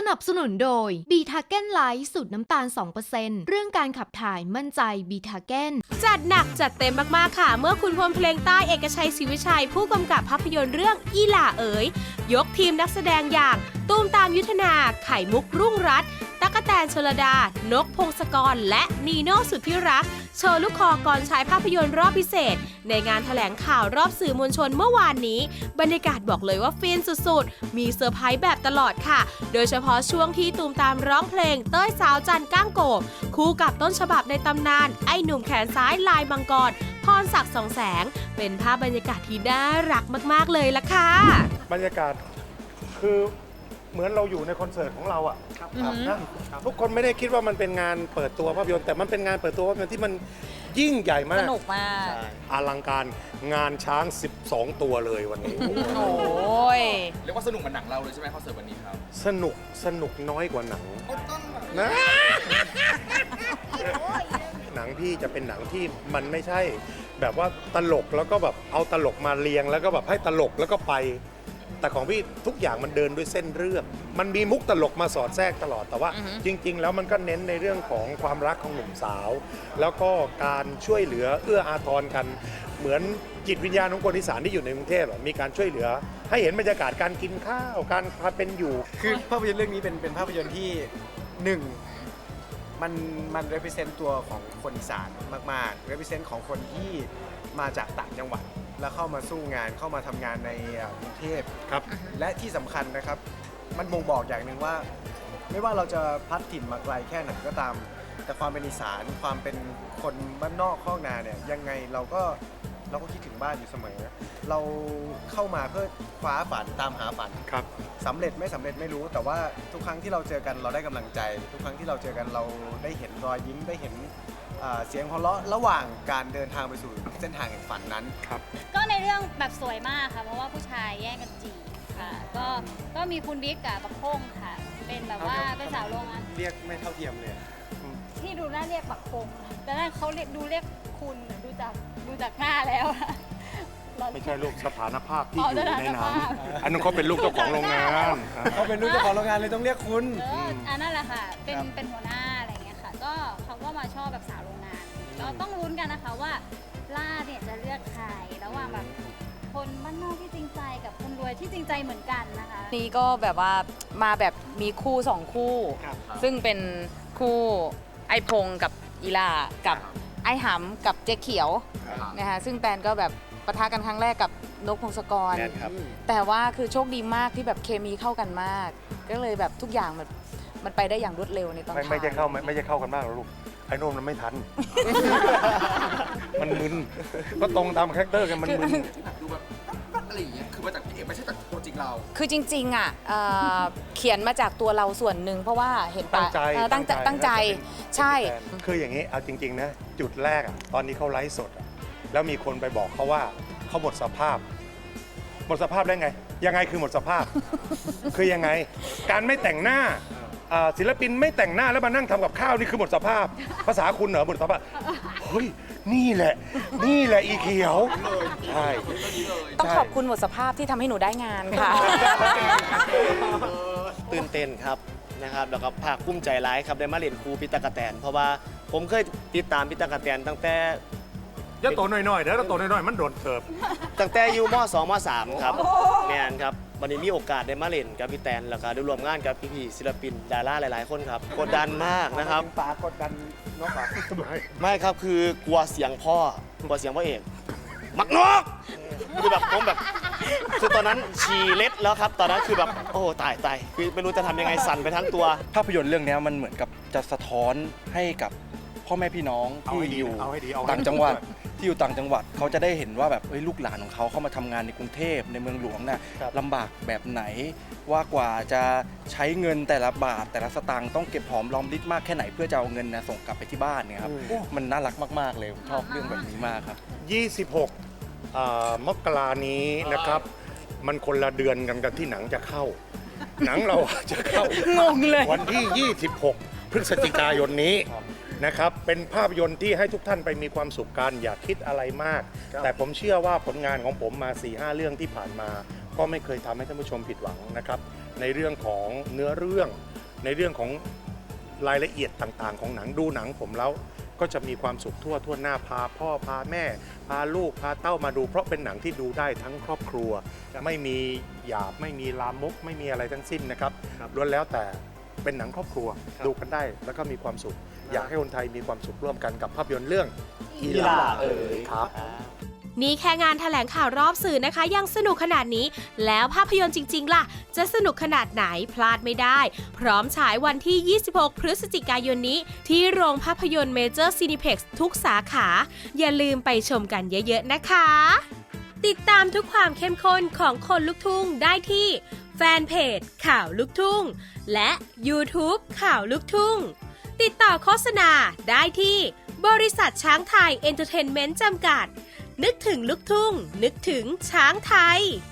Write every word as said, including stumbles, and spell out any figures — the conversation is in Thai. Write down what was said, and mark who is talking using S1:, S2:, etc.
S1: นับสนุนโดยบีทาเก้นไลท์สูตรน้ำตาล สองเปอร์เซ็นต์ เรื่องการขับถ่ายมั่นใจบีทาเก้น
S2: จัดหนักจัดเต็มมากๆค่ะเมื่อคุณพลเพลงใต้เอกชัยศรีวิชัยผู้กำกับภาพยนตร์เรื่องอีหล่าเอ๋ยยกทีมนักแสดงอย่างตูมตามยุทธนาไข่มุกรุ่งรัตน์ตั๊กแตนชลดานกพงศกรและนีโน่สุดที่รักโชว์ลูกคอก่อนฉายภาพยนตร์รอบพิเศษในงานแถลงข่าวรอบสื่อมวลชนเมื่อวานนี้บรรยากาศบอกเลยว่าฟินสุดๆมีเซอร์ไพรส์แบบตลอดค่ะโดยเฉพาะช่วงที่ตูมตามร้องเพลงเต้ยสาวจันก้างโกบคู่กับต้นฉบับในตำนานไอ้หนุ่มแขนซ้ายลายมังกรพรศักดิ์สองแสงเป็นภาพบรรยากาศที่น่ารักมากๆเลยล่ะค่ะ
S3: บรรยากาศคือเหมือนเราอยู่ในคอนเสิร์ตของเราอ่ะนะทุกคนไม่ได้คิดว่ามันเป็นงานเปิดตัวภาพยนตร์แต่มันเป็นงานเปิดตัวภาพยนตร์ที่มันยิ่งใหญ่มาก
S4: สนุกมาก
S3: อลังการงานช้างสิบสองตัวเลยวันนี้
S4: โอ้ย
S5: เรียกว่าสนุกเหมือนหนังเราเลยใช่ไหมคอนเสิร์ตวันนี้ครับ
S3: สนุกสนุกน้อยกว่าหนังนะหนังพี่จะเป็นหนังที่มันไม่ใช่แบบว่าตลกแล้วก็แบบเอาตลกมาเรียงแล้วก็แบบให้ตลกแล้วก็ไปแต่ของพี่ทุกอย่างมันเดินด้วยเส้นเรื่องมันมีมุกตลกมาสอดแทรกตลอดแต่ว่า uh-huh. จริงๆแล้วมันก็เน้นในเรื่องของความรักของหนุ่มสาวแล้วก็การช่วยเหลือเอื้ออาทรกันเหมือนจิตวิญญาณของคนอีสานที่อยู่ในกรุงเทพมีการช่วยเหลือให้เห็นบรรยากาศการกินข้าวการพาเป็นอยู่
S6: คือภาพยนตร์เรื่องนี้เป็นเป็นภาพยนตร์ที่หนึ่งมันมัน represent ตัวของคนอีสานมากๆ represent ของคนที่มาจากต่างจังหวัดแล้วเข้ามาสู้งานเข้ามาทำงานในกรุงเทพครับและที่สำคัญนะครับมันบ่งบอกอย่างหนึ่งว่าไม่ว่าเราจะพัดถิ่นมาไกลแค่ไหนก็ตามแต่ความเป็นอีสานความเป็นคนบ้านนอกข้อกนาเนี่ยยังไงเราก็เราก็คิดถึงบ้านอยู่เสมอเราเข้ามาเพื่อคว้าฝันตามหาฝันครับสำเร็จไม่สำเร็จไม่รู้แต่ว่าทุกครั้งที่เราเจอกันเราได้กำลังใจทุกครั้งที่เราเจอกันเราได้เห็นรอยยิ้มได้เห็นเสียงหัวเราะระหว่างการเดินทางไปสู่เส้นทางแห่งฝันนั้นครับ
S7: ก็ในเรื่องแบบสวยมากค่ะเพราะว่าผู้ชายแย่งกันจีบค่ะก็ก็มีคุณบิ๊กกับบักพงค่ะเป็นแบบว่าเป็นสาวโรงงาน
S6: เรียกไม่เท่าเทียมเลย
S7: ที่ดูน่าเรียกบักพงแต่นั่นเขาเรียกดูเรียกคุณดูจากดูจากหน้าแล้ว
S3: ไม่ใช่ลูกสถานภาพที่อยู่ในน้ำอันนั้นเขาเป็นลูกเจ้าของโรงงาน
S6: เขาเป็นลูกเจ้าของโรงงานเลยต้องเรียกคุณ
S7: อันนั่นแหละค่ะเป็นเป็นหัวหน้าอะไรเงี้ยค่ะก็เขาก็มาชอบแบบสาวโรงงานเราต้องลุ้นกันนะคะว่าล่าเนี่ยจะเลือกใครระหว่างแบบคนบ้านนอกที่จริงใจกับคนรวยที่จริงใจเหมือนกันนะคะ
S4: นี่ก็แบบว่ามาแบบมีคู่สองคู่ซึ่งเป็นคู่ไอพงกับอีลากับไอหำกับเจ๊เขียวนะคะซึ่งแตนก็แบบปะทะกันครั้งแรกกับนกพงศกรแต่ว่าคือโชคดีมากที่แบบเคมีเข้ากันมากก็เลยแบบทุกอย่างมันมันไปได้อย่างรวดเร็วในตอน
S3: ไม่ไม่ใช่เข้าไม่ใช่เข้ากันมากหรอกลูกไอ้โน่นมันไม่ทันมันมึนก็ตรงตามคาแรคเตอร์กันมันมึน
S5: ดูแบบอะไรอย่างเงี้ยคือมาจากพี่เอกไม่ใช่จากตัวจริงเรา
S4: คือจริงๆอ่ะเขียนมาจากตัวเราส่วนหนึ่งเพราะว่าเห็น
S3: ตั้งใจ
S4: ตั้งใจตั้งใจใช่
S3: คืออย่างนี้เอาจริงๆนะจุดแรกอ่ะตอนนี้เขาไลฟ์สดแล้วมีคนไปบอกเขาว่าเขาหมดสภาพหมดสภาพได้ไงยังไงคือหมดสภาพ คือยังไงการไม่แต่งหน้าศิลปินไม่แต่งหน้าแล้วมานั่งทำกับข้าวนี่คือหมดสภาพภาษาคุณเหรอหมดสภาพเฮ้ยนี่แหละนี่แหละอีเขียวใช่
S4: ต้องขอบคุณหมดสภาพที่ทำให้หนูได้งานค่ะ
S8: ตื่นเต้นครับนะครับแล้วก็ภาคภูมิใจร้ายครับได้มาเล่นครูปิตากะแตนเพราะว่าผมเคยติดตามปิตากะแตนตั้งแต่
S3: จะโตหน่อยๆเดี๋ยวโตหน่อยๆมันโดนเถิบ
S8: ตั้งแต่อยู่ม.สอง ม.สาม ครับแมนครับวันนี้มีโอกาสได้มาเล่นกับพี่แตนแล้วก็ได้ร่วมงานกับพี่ๆศิลปินดาราหลายๆคนครับกดดันมากนะครับ
S6: ปากดดันนกปาก
S8: ไม่ครับคือกลัวเสียงพ่อกลัวเสียงพ่อเอกมักนกคือแบบผมแบบคือตอนนั้นฉี่เล็ดแล้วครับตอนนั้นคือแบบโอ้ตายตายคือไม่รู้จะทำยังไงสั่นไปทั้งตัว
S6: ภาพยนตร์เรื่องนี้มันเหมือนกับจะสะท้อนให้กับพ่อแม่พี่น้องที่อยู่ต่างจังหวัดที่อยู่ต่างจังหวัดเขาจะได้เห็นว่าแบบลูกหลานของเขาเข้ามาทำงานในกรุงเทพในเมืองหลวงน่ะลำบากแบบไหนว่ากว่าจะใช้เงินแต่ละบาทแต่ละสตางค์ต้องเก็บหอมรอมริบมากแค่ไหนเพื่อจะเอาเงินนะส่งกลับไปที่บ้านเนี่ยครับมันน่ารักมากๆเลยชอบเรื่องแบบนี้มากครับ
S3: ยี่สิบหกมกรานี้นะครับมันคนละเดือนกันกับที่หนังจะเข้าหนังเราจะเข้าง
S4: งเลย
S3: วันที่ยี่สิบหกพฤศจิกายนนี้นะครับเป็นภาพยนตร์ที่ให้ทุกท่านไปมีความสุขกันอย่าคิดอะไรมากแต่ผมเชื่อว่าผลงานของผมมา สี่ห้า เรื่องที่ผ่านมาก็ไม่เคยทำให้ท่านผู้ชมผิดหวังนะครับในเรื่องของเนื้อเรื่องในเรื่องของรายละเอียดต่างๆ ของหนังดูหนังผมแล้วก็จะมีความสุขทั่วทั่วหน้าพาพ่อพาแม่ พาลูกพาเต้ามาดูเพราะเป็นหนังที่ดูได้ทั้งครอบครัว ไม่มีหยาบไม่มีลามกไม่มีอะไรทั้งสิ้นนะครับล้วนแล้วแต่เป็นหนังครอบครัวดูกันได้แล้วก็มีความสุข อยากให้คนไทยมีความสุขร่วมกันกับภาพยนตร์เรื่องอีหล่าเอ๋ยครับ
S2: นี่แค่งานแถลงข่าวรอบสื่อนะคะ ยังสนุกขนาดนี้ แล้วภาพยนตร์จริงๆล่ะ จะสนุกขนาดไหนพลาดไม่ได้ พร้อมฉายวันที่ ยี่สิบหก พฤศจิกายนนี้ ที่โรงภาพยนตร์เมเจอร์ซีนิเพ็กซ์ทุกสาขา อย่าลืมไปชมกันเยอะๆนะคะ ติดตามทุกความเข้มข้นของคนลุกทุ่งได้ที่แฟนเพจข่าวลุกทุ่งและ YouTube ข่าวลุกทุ่งติดต่อโฆษณาได้ที่บริษัทช้างไทยเอนเตอร์เทนเมนต์จำกัดนึกถึงลูกทุ่งนึกถึงช้างไทย